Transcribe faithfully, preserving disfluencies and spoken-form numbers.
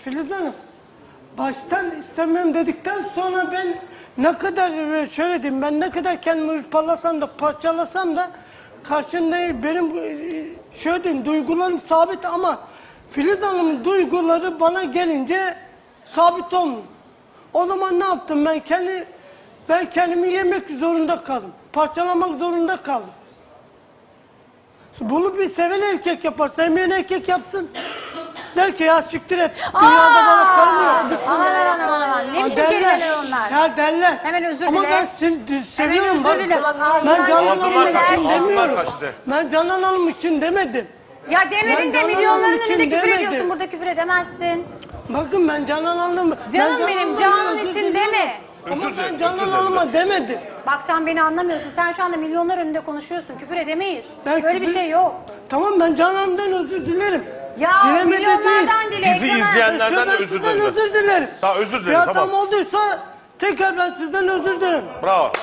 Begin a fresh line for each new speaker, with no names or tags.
Filiz Hanım, baştan istemiyorum dedikten sonra ben ne kadar şöyle diyeyim, ben ne kadar kendimi hırpalasam da parçalasam da karşında benim şöyle diyeyim, duygularım sabit ama Filiz Hanım'ın duyguları bana gelince sabit olmuyor. O zaman ne yaptım ben? Kendi, ben kendimi yemek zorunda kaldım. Parçalamak zorunda kaldım. Bunu bir seven erkek yapar, sevmeyen erkek yapsın. Der ki ya siktir et, dünyada bana karım yok.
Aman aman aman aman, ne biçim kelimeler onlar?
Ya derler.
Hemen özür
Ama
dile.
ben seni seviyorum.
Hemen özür dile, bak ağzından
Ben Canan
ağzından
Hanım
kaçtı.
için
Ağzından
demiyorum.
kaçtı.
Ben Canan Hanım için demedim.
Ya demedin
Ben
de
Canan
milyonların
Hanım için
önünde küfür
demedim.
ediyorsun, burada küfür edemezsin.
Bakın ben Canan Hanım...
Canım benim, Canan için deme.
Ama
Özür
ben
dilerim,
Canan
özür dilerim.
Hanım'a demedim.
Bak sen beni anlamıyorsun, sen şu anda milyonlar önünde konuşuyorsun, küfür edemeyiz.
Ben
Böyle bir
küfür-
şey yok.
Tamam ben Canan Hanım'dan özür dilerim.
Ya
Dilemedi
milyonlardan
değil.
dile.
Bizi
ekrana-
izleyenlerden
Ben
özür
sizden
dilerim.
özür dilerim.
Tamam, özür dilerim,
Bir hatam
tamam.
olduysa tekrar ben sizden özür dilerim.
Bravo.